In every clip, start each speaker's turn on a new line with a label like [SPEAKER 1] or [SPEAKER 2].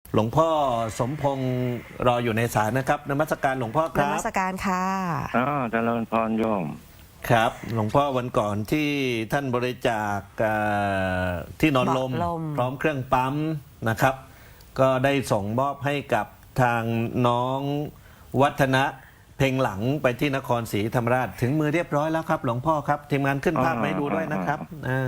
[SPEAKER 1] หลวงพ่อสมพงษ์รออยู่ในสายนะครับนมัสการหลวงพ่อคน รับ
[SPEAKER 2] มัสการค่ะ
[SPEAKER 3] เจริญพรโยม
[SPEAKER 1] ครับ หลวงพ่อวันก่อนที่ท่านบริจาคที่นอนลม พร้อมเครื่องปั๊มนะครับ ก็ได้ส่งมอบให้กับทางน้องวัฒนะเพ่งหลังไปที่นครศรีธรรมราชถึงมือเรียบร้อยแล้วครับ หลวงพ่อครับทีมงานขึ้นภาพมาให้ดูด้วยนะครับ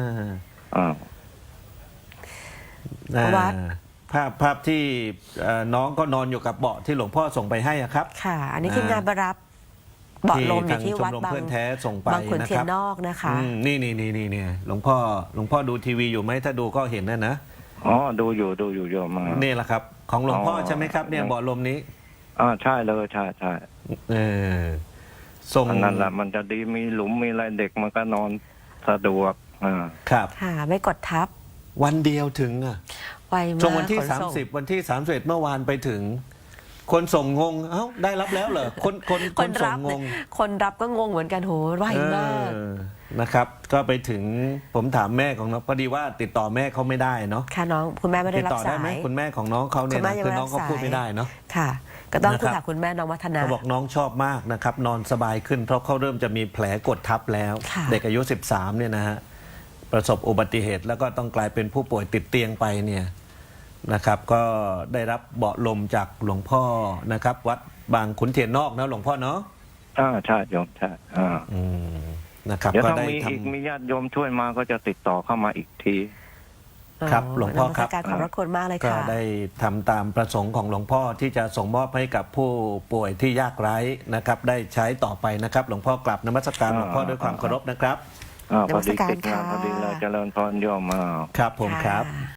[SPEAKER 2] วัด
[SPEAKER 1] ภาพที่น้องก็นอนอยู่กับเบาะที่หลวงพ่อส่งไปให้ครับ
[SPEAKER 2] ค่ะ อันนี้ทีมงานไปรับเบาะลมอยู่ที่วัดบาง
[SPEAKER 1] เพื่อนแท้ส่งไป
[SPEAKER 2] บางขุน
[SPEAKER 1] นะ
[SPEAKER 2] เที
[SPEAKER 1] ค
[SPEAKER 2] ย
[SPEAKER 1] รั
[SPEAKER 2] น
[SPEAKER 1] บ
[SPEAKER 2] นอกนะคะ
[SPEAKER 1] นี่หลวงพ่อดูทีวีอยู่ไหมถ้าดูก็เห็นนะ
[SPEAKER 3] ดูอยู่โยมมา
[SPEAKER 1] นี่แหละครับของหลวงพ่อใช่ไหมครับเนี่ยเบาะลมนี้
[SPEAKER 3] ใช่เลยใช่
[SPEAKER 1] ส่ง
[SPEAKER 3] นั่นแหละมันจะดีมีหลุมมีอะไรเด็กมันก็นอนสะดวก
[SPEAKER 1] ครับ
[SPEAKER 2] ค่ะไม่กดทับ
[SPEAKER 1] วันเดียวถึง
[SPEAKER 2] ไวมาก
[SPEAKER 1] ช่วงวันที่30วันที่31เมื่อวานไปถึงคนส่งงงเอ้าได้รับแล้วเหรอคนส่งงง
[SPEAKER 2] คนรับก็งงเหมือนกันโหไวมาก
[SPEAKER 1] นะครับก็ไปถึงผมถามแม่ของน้องพอดีว่าติดต่อแม่เขาไม่ได้เนาะ
[SPEAKER 2] ค่ะน้องคุณแม่ไม่ได้รับสาย
[SPEAKER 1] ติดต่อได้ไหมคุณแม่ของน้องเขาเนี่ยคือน้องเขาพูดไม่ได้เนาะ
[SPEAKER 2] ค่ะก็ต้องคุยกับคุณแม่น้องวัฒนา
[SPEAKER 1] เขาบอกน้องชอบมากนะครับนอนสบายขึ้นเพราะเขาเริ่มจะมีแผลกดทับแล้วเด็กอายุ13เนี่ยนะฮะประสบอุบัติเหตุแล้วก็ต้องกลายเป็นผู้ป่วยติดเตียงไปเนี่ยนะครับก็ได้รับเบาะลมจากหลวงพ่อนะครับวัดบางขุนเทียนนอกนะหลวงพ่อเนาะ
[SPEAKER 3] ใช่โยมใช่
[SPEAKER 1] นะครับ
[SPEAKER 3] ก็ได้มีญาติโยมช่วยมาก็จะติดต่อเข้ามาอีกที
[SPEAKER 1] ครับหลวงพ่อครับ
[SPEAKER 2] การขอบพระคุณมากเลยค่ะ
[SPEAKER 1] ก็ได้ทำตามประสงค์ของหลวงพ่อที่จะส่งมอบให้กับผู้ป่วยที่ยากไร้นะครับได้ใช้ต่อไปนะครับหลวงพ่อกลับนมัสการหลวงพ่อด้วยความเคารพนะครับ
[SPEAKER 3] พอดีติดงานพอดีเราเจริญพรโยม
[SPEAKER 1] ครับผมครับ